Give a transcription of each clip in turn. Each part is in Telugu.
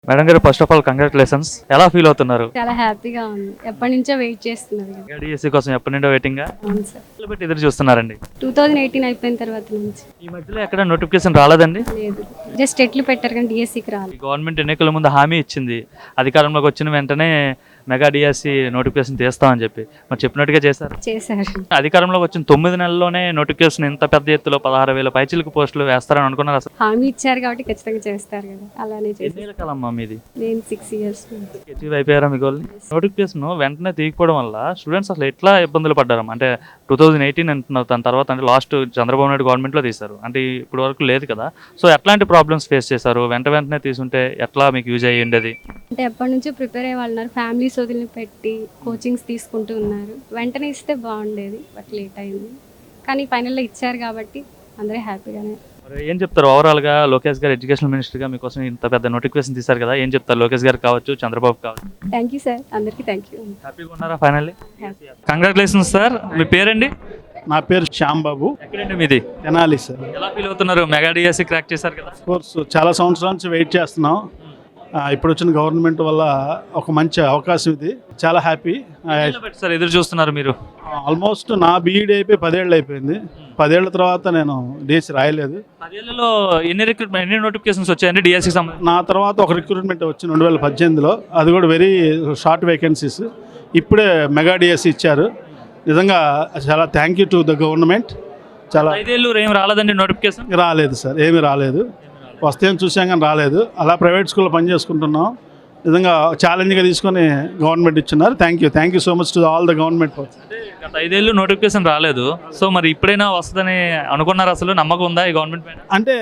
మేడం గారు, ఫస్ట్ ఆఫ్ ఆల్ కంగ్రాచులేషన్స్. ఎలా ఫీల్ అవుతున్నారు? చాలా హ్యాపీగా ఉంది. ఎప్పటి నుంచో వెయిట్ చేస్తున్నారు కదా. డిఎస్సి కోసం ఎప్పటి నుండో వెయిటింగ్ అవును సార్. పెట్టి ఎదురు చూస్తున్నారండి. 2018 అయిపోయిన తర్వాత నుంచి ఈ మధ్యలో ఎక్కడ నోటిఫికేషన్ రాలేదండి? లేదు. జస్ట్ ఎట్లు పెట్టారు కానీ డిఎస్సికి రాలేదు. గవర్నమెంట్ ఎన్నికల ముందు హామీ ఇచ్చింది, అధికారంలోకి వచ్చిన వెంటనే మెగా డిఎస్సి నోటిఫికేషన్ తీస్తామని చెప్పి. మరి చెప్పినట్టుగా చేశారు? చేశారు. అధికారంలోకి వచ్చిన 9 నెలల్లోనే నోటిఫికేషన్ ఇంత పెద్ద ఎత్తులో 16,000 పైచిలకు పోస్టులు వేస్తారని అనుకున్నారు అసలు? హామీ ఇచ్చారు కాబట్టి ఖచ్చితంగా చేస్తారు కదా, అలానే చేశారు. ఎన్ని రకాలమ్మా మీది? నేను 6 years అచీవ్ అయిపోయారా మీ గోల్ని? నోటిఫికేషన్ వెంటనే తీయకపోవడం వల్ల స్టూడెంట్స్ అసలు ఎట్లా ఇబ్బందులు పడ్డారు? అంటే 2018 అంటున్నారు, దాని తర్వాత అంటే లాస్ట్ చంద్రబాబు నాయుడు గవర్నమెంట్లో తీశారు, అంటే ఇప్పుడు వరకు లేదు కదా. సో ఎట్లాంటి ప్రాబ్లమ్స్ ఫేస్ చేశారు? వెంటనే తీసుంటే ఎట్లా మీకు యూజ్ అయ్యి ఉండేది? అంటే ఎప్పటి నుంచో ప్రిపేర్ అయ్యే వాళ్ళు ఉన్నారు, ఫ్యామిలీస్ వదిలి పెట్టి కోచింగ్స్ తీసుకుంటూ ఉన్నారు. వెంటనే ఇస్తే బాగుండేది, బట్ లేట్ అయింది. కానీ ఫైనల్లో ఇచ్చారు కాబట్టి అందరూ హ్యాపీగానే. మరి ఏం చెప్తారు ఓవరాల్గా? లోకేష్ గారు ఎడ్యుకేషన్ మినిస్టర్గా మీకోసం ఇంత పెద్ద నోటిఫికేషన్ తీశారు కదా, ఏం చెప్తారు లోకేష్ గారు కావచ్చు, చంద్రబాబు కావచ్చు? థ్యాంక్ యూ సార్, అందరికీ థ్యాంక్ యూ. హ్యాపీగా ఉన్నారా ఫైనల్లీ? Congratulations sir. మీ పేరండి? నా పేరు శ్యాంబాబు. ఎక్కడండి మీది? తెనాలి సార్. ఎలా ఫీల్ అవుతున్నారు? మెగా డిఎస్సి క్రాక్ చేశారు కదా. కోర్స్ చాలా సంవత్సరాల నుంచి వెయిట్ చేస్తున్నాం. ఇప్పుడు వచ్చిన గవర్నమెంట్ వల్ల ఒక మంచి అవకాశం ఇది. చాలా హ్యాపీ. సార్ ఎదురు చూస్తున్నారు మీరు? ఆల్మోస్ట్ నా బీఈడీ అయిపోయి 10 ఏళ్ళు అయిపోయింది. 10 ఏళ్ళ తర్వాత నేను డిఎస్సి రాయలేదు. 10 ఏళ్లలో ఎన్ని నోటిఫికేషన్స్ వచ్చాయండి డిఎస్సికి సంబంధించి? నా తర్వాత ఒక రిక్రూట్మెంట్ వచ్చింది 2018లో, అది కూడా వెరీ షార్ట్ వేకెన్సీస్. ఇప్పుడే మెగా డిఎస్సి ఇచ్చారు. నిజంగా చాలా thank you to the government. చాలా 5 ఏళ్ళు ఏం రాలేదండి నోటిఫికేషన్? రాలేదు సార్, ఏమీ రాలేదు. వస్తేం చూసాం కానీ రాలేదు. అలా ప్రైవేట్ స్కూల్లో పనిచేసుకుంటున్నాం. నిజంగా ఛాలెంజ్గా తీసుకొని గవర్నమెంట్ ఇచ్చినారు. Thank you so much to all the government. గత 5 ఏళ్ళు నోటిఫికేషన్ రాలేదు, సో మరి ఇప్పుడైనా వస్తుందని అనుకున్నారు? అసలు నమ్మకం ఉందా ఈ గవర్నమెంట్ పైన? అంటే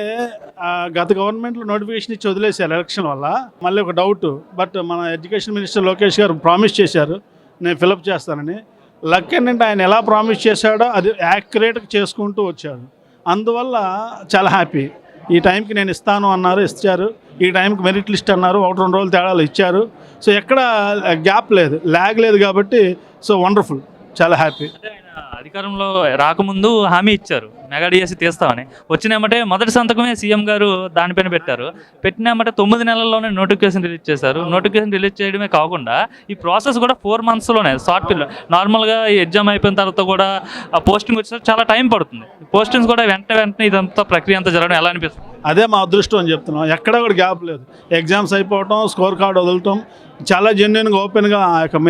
గత గవర్నమెంట్లో నోటిఫికేషన్ ఇచ్చి వదిలేశారు ఎలక్షన్ వల్ల. మళ్ళీ ఒక డౌట్, బట్ మన ఎడ్యుకేషన్ మినిస్టర్ లోకేష్ గారు ప్రామిస్ చేశారు నేను ఫిలప్ చేస్తానని. లక్ ఏంటంటే ఆయన ఎలా ప్రామిస్ చేశాడో అది యాక్యురేట్గా చేసుకుంటూ వచ్చాడు. అందువల్ల చాలా హ్యాపీ. ఈ టైంకి నేను ఇస్తాను అన్నారు, ఇచ్చారు. ఈ టైంకి మెరిట్ లిస్ట్ అన్నారు, 1-2 రోజులు తేడాలు ఇచ్చారు. సో ఎక్కడ గ్యాప్ లేదు, ల్యాగ్ లేదు కాబట్టి సో వండర్ఫుల్, చాలా హ్యాపీ. అధికారంలో రాకముందు హామీ ఇచ్చారు మెగా డిఎస్సి తీస్తామని. వచ్చినామంటే మొదటి సంతకమే సీఎం గారు దానిపైన పెట్టారు. పెట్టినామంటే 9 నెలల్లోనే నోటిఫికేషన్ రిలీజ్ చేశారు. నోటిఫికేషన్ రిలీజ్ చేయడమే కాకుండా ఈ ప్రాసెస్ కూడా 4 monthsలోనే షార్ట్ పీరియడ్. నార్మల్గా ఈ ఎగ్జామ్ అయిపోయిన తర్వాత కూడా పోస్టింగ్ వచ్చేసరికి చాలా టైం పడుతుంది. పోస్టింగ్స్ కూడా వెంటనే ఇదంతా ప్రక్రియ అంతా జరగడం ఎలా అనిపిస్తుంది? అదే మా అదృష్టం అని చెప్తున్నాం. ఎక్కడ కూడా గ్యాప్ లేదు. ఎగ్జామ్స్ అయిపోవటం, స్కోర్ కార్డు వదలటం, చాలా జెన్యున్గా ఓపెన్గా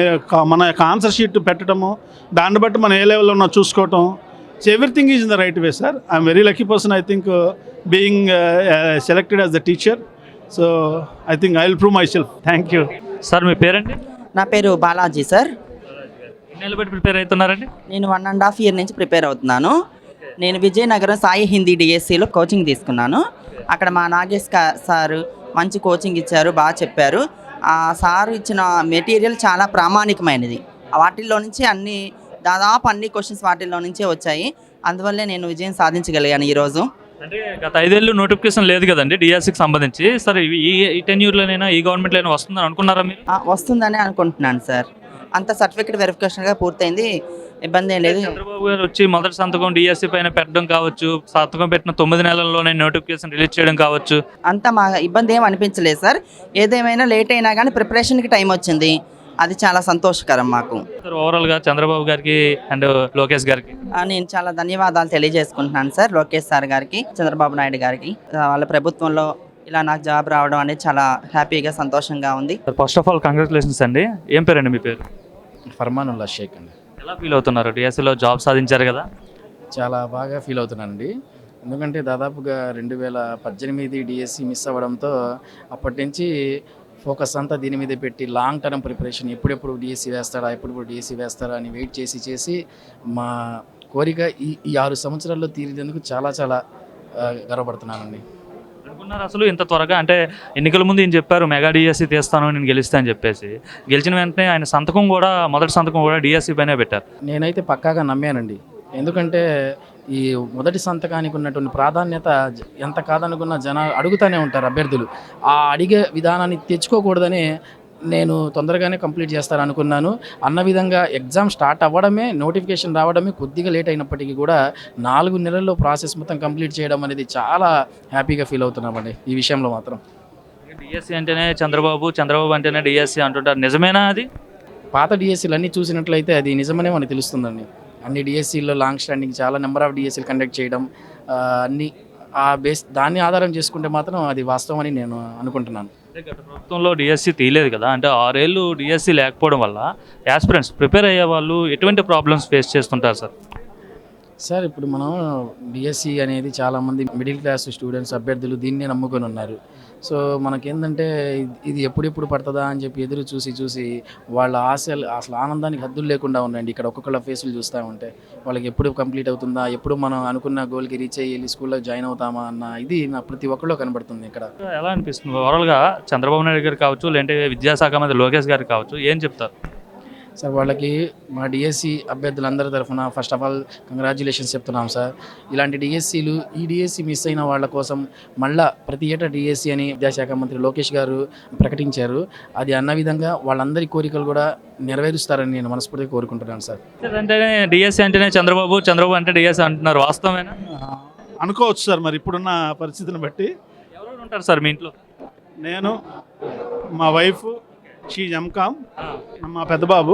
మన యొక్క ఆన్సర్ షీట్ పెట్టడము, దాన్ని బట్టి మనం ఏ లెవెల్లో ఉన్నా చూసుకోవటం. So everything is in the right way sir. I'm very lucky person, I think, being selected as the teacher. So I think I will prove myself. Thank you sir. మీ పేరండి? నా పేరు బాలాజీ సార్. ఎన్ని నెలలు బట్టి ప్రిపేర్ అవుతున్నారండి? నేను 1.5 year నుంచి ప్రిపేర్ అవుతున్నాను. నేను విజయనగరం సాయి హిందీ డిఎస్సిలో కోచింగ్ తీసుకున్నాను. అక్కడ మా నాగేష్ సారు మంచి కోచింగ్ ఇచ్చారు, బాగా చెప్పారు. ఆ సారు ఇచ్చిన మెటీరియల్ చాలా ప్రామాణికమైనది. వాటిల్లో నుంచి దాదాపు అన్ని క్వశ్చన్స్ వాటిల్లో నుంచే వచ్చాయి. అందువల్లే నేను విజయం సాధించగలిగాను ఈరోజు. అంటే గత 5 ఏళ్ళు నోటిఫికేషన్ లేదు కదండి డిఎస్సికి సంబంధించి. సరే ఈ టెన్యూర్లోనైనా ఈ గవర్నమెంట్లోనైనా వస్తుందని అనుకున్నారా మీరు? వస్తుందని అనుకుంటున్నాను సార్. అంత సర్టిఫికేట్ వెరిఫికేషన్గా పూర్తయింది, ఇబ్బంది ఏం లేదు. చంద్రబాబు గారు వచ్చి మొదటి సంతకం డిఎస్సి పైన పెట్టడం కావచ్చు, సంతకం పెట్టిన 9 నెలల్లోనే నోటిఫికేషన్ రిలీజ్ చేయడం కావచ్చు, అంత మా ఇబ్బంది ఏం అనిపించలేదు సార్. ఏదేమైనా లేట్ అయినా కానీ ప్రిపరేషన్కి టైం వచ్చింది, అది చాలా సంతోషకరం మాకు. ఓవరాల్గా చంద్రబాబు గారికి అండ్ లోకేష్ గారికి నేను చాలా ధన్యవాదాలు తెలియజేసుకుంటున్నాను సార్. లోకేష్ సార్ గారికి, చంద్రబాబు నాయుడు గారికి. వాళ్ళ ప్రభుత్వంలో ఇలా నాకు జాబ్ రావడం అనేది చాలా హ్యాపీగా, సంతోషంగా ఉంది. ఫస్ట్ ఆఫ్ ఆల్ కంగ్రాచులేషన్స్ అండి. ఏం పేరండి మీ పేరు? ఫర్మానుల్లా షేక్ అండి. ఎలా ఫీల్ అవుతున్నారు? డిఎస్సిలో జాబ్ సాధించారు కదా. చాలా బాగా ఫీల్ అవుతున్నానండి. ఎందుకంటే దాదాపుగా 2018 డిఎస్సి మిస్ అవ్వడంతో అప్పటి నుంచి ఫోకస్ అంతా దీని మీద పెట్టి లాంగ్ టర్మ్ ప్రిపరేషన్, ఎప్పుడెప్పుడు డిఎస్సి వేస్తారా అని వెయిట్ చేసి మా కోరిక ఈ 6 సంవత్సరాల్లో తీరినందుకు చాలా చాలా గర్వపడుతున్నానండి. అనుకున్నారు అసలు ఇంత త్వరగా? అంటే ఎన్నికల ముందు ఈయన చెప్పారు మెగా డిఎస్సి తీస్తాను, నేను గెలుస్తా అని చెప్పేసి. గెలిచిన వెంటనే ఆయన మొదటి సంతకం కూడా డిఎస్సి పైనే పెట్టారు. నేనైతే పక్కాగా నమ్మానండి. ఎందుకంటే ఈ మొదటి సంతకానికి ఉన్నటువంటి ప్రాధాన్యత ఎంత కాదనుకున్న జనాలు అడుగుతూనే ఉంటారు అభ్యర్థులు. ఆ అడిగే విధానాన్ని తెచ్చుకోకూడదని నేను తొందరగానే కంప్లీట్ చేస్తాను అనుకున్నాను. అన్న విధంగా ఎగ్జామ్ స్టార్ట్ అవ్వడమే, నోటిఫికేషన్ రావడమే కొద్దిగా లేట్ అయినప్పటికీ కూడా 4 నెలల్లో ప్రాసెస్ మొత్తం కంప్లీట్ చేయడం అనేది చాలా హ్యాపీగా ఫీల్ అవుతున్నామండి ఈ విషయంలో మాత్రం. డిఎస్సి అంటేనే చంద్రబాబు, చంద్రబాబు అంటేనే డిఎస్సి అంటుంటారు, నిజమేనా అది? పాత డిఎస్సీలు అన్నీ చూసినట్లయితే అది నిజమనే మనకు తెలుస్తుందండి. అన్ని డిఎస్సీల్లో లాంగ్ స్టాండింగ్ చాలా నెంబర్ ఆఫ్ డిఎస్సీలు కండక్ట్ చేయడం, అన్ని ఆ బేస్ దాన్ని ఆధారం చేసుకుంటే మాత్రం అది వాస్తవం అని నేను అనుకుంటున్నాను. అంటే గత ప్రభుత్వంలో డిఎస్సి తీయలేదు కదా, అంటే 6 ఏళ్ళు డిఎస్సి లేకపోవడం వల్ల యాస్పిరెంట్స్ ప్రిపేర్ అయ్యే వాళ్ళు ఎటువంటి ప్రాబ్లమ్స్ ఫేస్ చేస్తుంటారు సార్? సార్ ఇప్పుడు మనం డిఎస్సి అనేది చాలామంది మిడిల్ క్లాస్ స్టూడెంట్స్ అభ్యర్థులు దీన్నే నమ్ముకొని ఉన్నారు. సో మనకేంటంటే ఇది ఎప్పుడెప్పుడు పడుతుందా అని చెప్పి ఎదురు చూసి వాళ్ళ ఆశలు అసలు ఆనందానికి హద్దులు లేకుండా ఉన్నాయండి. ఇక్కడ ఒక్కొక్కళ్ళ ఫేసులు చూస్తూ ఉంటే వాళ్ళకి ఎప్పుడు కంప్లీట్ అవుతుందా, ఎప్పుడు మనం అనుకున్న గోల్కి రీచ్ అయ్యి వెళ్ళి స్కూల్లో జాయిన్ అవుతామా అన్న ఇది నా ప్రతి ఒక్కళ్ళో కనబడుతుంది ఇక్కడ. ఎలా అనిపిస్తుంది ఓవరాల్గా చంద్రబాబు నాయుడు గారు కావచ్చు, లేదంటే విద్యాశాఖ మంత్రి లోకేష్ గారు కావచ్చు, ఏం చెప్తారు? సార్ వాళ్ళకి మా డిఎస్సి అభ్యర్థులందరి తరఫున ఫస్ట్ ఆఫ్ ఆల్ కంగ్రాచ్యులేషన్స్ చెప్తున్నాం సార్. ఇలాంటి డిఎస్సీలు ఈ డిఎస్సి మిస్ అయిన వాళ్ళ కోసం మళ్ళా ప్రతి ఏటా డిఎస్సి అని విద్యాశాఖ మంత్రి లోకేష్ గారు ప్రకటించారు. అది అన్న విధంగా వాళ్ళందరి కోరికలు కూడా నెరవేరుస్తారని నేను మనస్ఫూర్తిగా కోరుకుంటున్నాను సార్. అంటేనే డిఎస్సి అంటేనే చంద్రబాబు, చంద్రబాబు అంటే డిఎస్సి అంటున్నారు, వాస్తవమేనా? అనుకోవచ్చు సార్. మరి ఇప్పుడున్న పరిస్థితిని బట్టి ఎవరెవరు ఉంటారు సార్ మీ ఇంట్లో? నేను, మా వైఫ్, షీ ఎంకామ్, మా పెద్ద బాబు,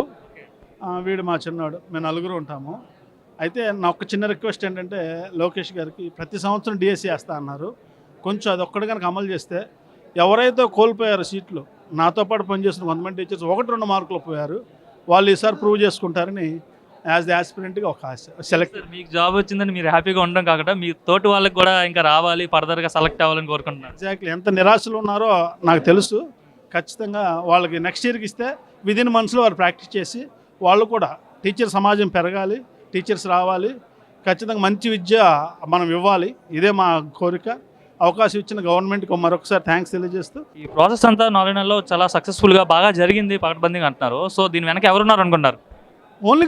వీడు మా చిన్నవాడు, మేము నలుగురు ఉంటాము. అయితే నా ఒక చిన్న రిక్వెస్ట్ ఏంటంటే లోకేష్ గారికి ప్రతి సంవత్సరం డిఎస్సి వేస్తా అన్నారు. కొంచెం అది ఒక్కటి కనుక అమలు చేస్తే ఎవరైతే కోల్పోయారో సీట్లు, నాతో పాటు పనిచేస్తున్న కొంతమంది టీచర్స్ 1-2 మార్కులు పోయారు, వాళ్ళు ఈసారి ప్రూవ్ చేసుకుంటారని యాజ్ ది ఆస్పిరెంట్గా ఒక ఆశ. సెలెక్ట్ మీకు జాబ్ వచ్చిందని మీరు హ్యాపీగా ఉండడం కాకుండా మీ తోటి వాళ్ళకి కూడా ఇంకా రావాలి, ఫర్దర్గా సెలెక్ట్ అవ్వాలని కోరుకుంటున్నారు. ఎగ్జాక్ట్లీ. ఎంత నిరాశలు ఉన్నారో నాకు తెలుసు. ఖచ్చితంగా వాళ్ళకి నెక్స్ట్ ఇయర్కి ఇస్తే విదిన్ మంత్స్లో వారు ప్రాక్టీస్ చేసి వాళ్ళు కూడా టీచర్ సమాజం పెరగాలి, టీచర్స్ రావాలి, ఖచ్చితంగా మంచి విద్య మనం ఇవ్వాలి. ఇదే మా కోరిక. అవకాశం ఇచ్చిన గవర్నమెంట్కి మరొకసారి థ్యాంక్స్ తెలియజేస్తూ, ఈ ప్రాసెస్ అంతా 4 నెలల్లో చాలా సక్సెస్ఫుల్గా బాగా జరిగింది, పకడ్బందీగా అంటున్నారు. సో దీని వెనక ఎవరున్నారు అనుకుంటారు? Only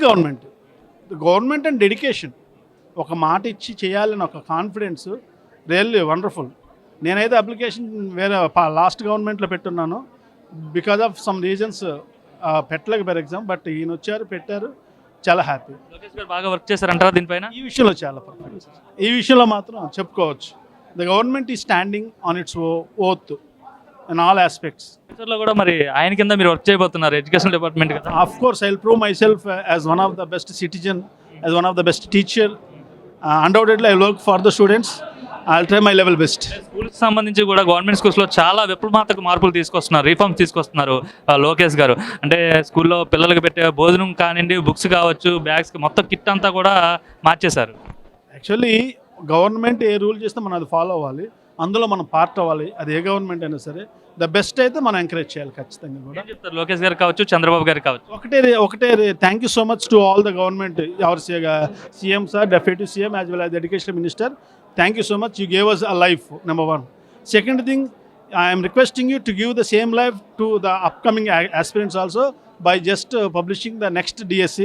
government and dedication. ఒక మాట ఇచ్చి చేయాలని ఒక కాన్ఫిడెన్స్ రియల్లీ వండర్ఫుల్. నేనైతే అప్లికేషన్ వేరే లాస్ట్ గవర్నమెంట్లో పెట్టున్నాను. బికాజ్ ఆఫ్ సమ్ రీజన్స్ పెట్టలేక ఫర్ ఎగ్జామ్, బట్ ఈయన వచ్చారు, పెట్టారు, చాలా హ్యాపీ. లోకేష్ గారు బాగా వర్క్ చేశారంటారా దీనిపైన? ఈ విషయంలో చాలా పర్ఫెక్ట్. ఈ విషయంలో మాత్రం చెప్పుకోవచ్చు. ద గవర్నమెంట్ ఈ standing on its oath in all aspects. ఫ్యూచర్లో కూడా మరి ఆయన కింద మీరు వర్క్ చేయబోతున్నారు, ఎడ్యుకేషన్ డిపార్ట్మెంట్ కదా? Of course, I'll prove myself as one of the best citizen, as one of the best teacher. Undoubtedly, I work for the students. I'll try my level best. స్కూల్కి సంబంధించి కూడా గవర్నమెంట్ స్కూల్స్లో చాలా విప్లవాత్మక మార్పులు తీసుకొస్తున్నారు, రిఫార్మ్స్ తీసుకొస్తున్నారు లోకేష్ గారు. అంటే స్కూల్లో పిల్లలకు పెట్టే భోజనం కానివ్వండి, బుక్స్ కావచ్చు, బ్యాగ్స్, మొత్తం కిట్ అంతా కూడా మార్చేశారు. యాక్చువల్లీ గవర్నమెంట్ ఏ రూల్ చేస్తే మనం అది ఫాలో అవ్వాలి, అందులో మనం పార్ట్ అవ్వాలి. అది ఏ గవర్నమెంట్ అయినా సరే ద బెస్ట్ అయితే మనం ఎంకరేజ్ చేయాలి ఖచ్చితంగా కూడా. ఏం చెప్తారు లోకేష్ గారు కావచ్చు, చంద్రబాబు గారు కావచ్చు? ఒకటే thank you so much to all the government, our CM sir, deputy CM as well as the education minister. Thank you so much. You gave us a life, number 1. Second thing, I am requesting you to give the same life to the upcoming aspirants also by just publishing the next DSC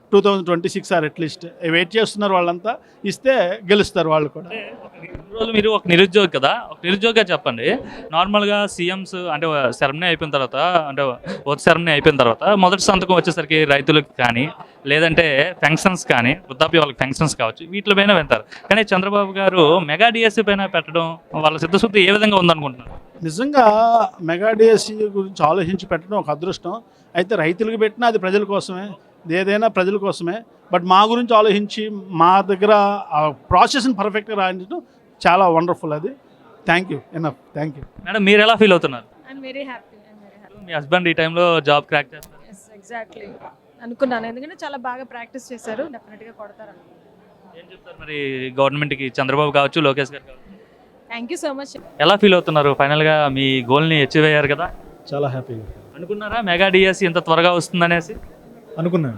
2026 or at least. Wait చేస్తున్నారు వాళ్ళంతా, ఇస్తే గెలుస్తారు వాళ్ళు కూడా. రోజు మీరు ఒక నిరుద్యోగి కదా, ఒక నిరుద్యోగిగా చెప్పండి. నార్మల్గా సీఎంస్ అంటే సెరమనీ అయిపోయిన తర్వాత, అంటే ఓట్ సెరమనీ అయిపోయిన తర్వాత మొదటి సంతకం వచ్చేసరికి రైతులకు కానీ, లేదంటే ఫంక్షన్స్ కానీ, వృద్ధాప్య వాళ్ళకి ఫంక్షన్స్ కావచ్చు, వీటిపైన వెళ్తారు. కానీ చంద్రబాబు గారు మెగా డిఎస్సీ పైన పెట్టడం వాళ్ళ సిద్ధశుద్ధి ఏ విధంగా ఉందనుకుంటున్నారు? నిజంగా మెగా డిఎస్సీ గురించి ఆలోచించి పెట్టడం ఒక అదృష్టం. అయితే రైతులకు పెట్టినా అది ప్రజల కోసమే, ఏదైనా ప్రజల కోసమే. బట్ మా గురించి ఆలోచించి మా దగ్గర ఆ ప్రాసెస్ని పర్ఫెక్ట్గా రాయించడం చాలా వండర్ఫుల్. అది thank you, enough. Thank you madam, మీరు ఎలా ఫీల్ అవుతున్నారు? I'm very happy. మీ హస్బెండ్ ఈ టైంలో జాబ్ క్రాక్ చేస్తారు? ఎస్, ఎగ్జాక్ట్లీ అనుకున్నాను. ఎందుకంటే చాలా బాగా ప్రాక్టీస్ చేశారు, డెఫినెట్గా కొడతారు. ఏం చెప్తారు మరి గవర్నమెంట్కి, చంద్రబాబు కావచ్చు, లోకేష్ గారు కావచ్చు? Thank you so much. ఎలా ఫీల్ అవుతున్నారు? ఫైనల్గా మీ గోల్ని అచీవ్ అయ్యారు కదా? చాలా హ్యాపీగా. అనుకున్నారా మెగా డిఎస్సీ ఇంత త్వరగా వస్తుందనేసి? అనుకున్నాను.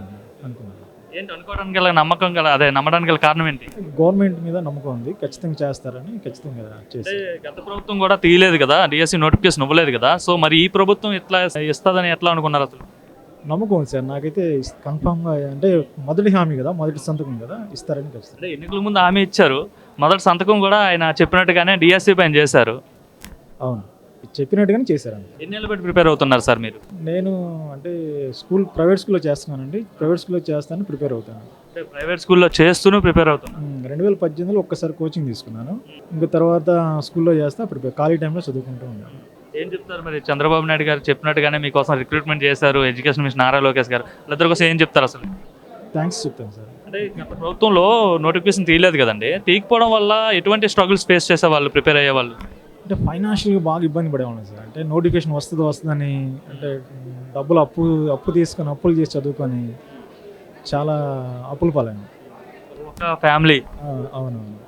ఏంటి అనుకోవడానికి గల నమ్మకం గల, అదే నమ్మడానికి గల కారణం ఏంటి? గవర్నమెంట్ మీద నమ్మకం ఉంది, ఖచ్చితంగా చేస్తారని ఖచ్చితంగా చేసి. గత ప్రభుత్వం కూడా తీయలేదు కదా, డిఎస్సీ నోటిఫికేషన్ ఇవ్వలేదు కదా, సో మరి ఈ ప్రభుత్వం ఇట్లా ఇస్తుందని ఎట్లా అనుకున్నారు అసలు? నమ్మకం ఉంది సార్ నాకైతే, కన్ఫామ్గా. అంటే మొదటి హామీ కదా, మొదటి సంతకం కదా, ఇస్తారని ఖచ్చితంగా. అంటే ఎన్నికల ముందు హామీ ఇచ్చారు, మొదటి సంతకం కూడా ఆయన చెప్పినట్టుగానే డిఎస్సీ పైన చేశారు. అవును, చెప్పినట్టుగానే చేశారండి. ఎన్నేళ్ళు బట్టి ప్రిపేర్ అవుతున్నారు సార్ మీరు? నేను అంటే ప్రైవేట్ స్కూల్లో చేస్తున్నానండి. ప్రైవేట్ స్కూల్లో చేస్తాను, ప్రిపేర్ అవుతాను. అంటే ప్రైవేట్ స్కూల్లో చేస్తూనే ప్రిపేర్ అవుతున్నాను. 2018లో ఒక్కసారి కోచింగ్ తీసుకున్నాను. ఇంకా తర్వాత స్కూల్లో చేస్తా, ప్రిపేర్ ఖాళీ టైంలో చదువుకుంటూ ఉన్నాను. ఏం చెప్తారు మరి? చంద్రబాబు నాయుడు గారు చెప్పినట్టుగానే మీకోసం రిక్రూట్మెంట్ చేశారు ఎడ్యుకేషన్ మినిస్టర్ నారా లోకేష్ గారు. వాళ్ళిద్దరి కోసం ఏం చెప్తారు అసలు? థ్యాంక్స్ చెప్తాను సార్. అంటే గత ప్రభుత్వంలో నోటిఫికేషన్ తీయలేదు కదండి, తీయకపోవడం వల్ల ఎటువంటి స్ట్రగుల్స్ ఫేస్ చేసేవాళ్ళు, ప్రిపేర్ అయ్యేవాళ్ళు? అంటే ఫైనాన్షియల్గా బాగా ఇబ్బంది పడేవాళ్ళం సార్. అంటే నోటిఫికేషన్ వస్తుందని అంటే డబ్బులు అప్పు తీసుకొని అప్పులు చేసి చదువుకొని చాలా అప్పులు పాలైన. ఒక ఫ్యామిలీ అవునవును.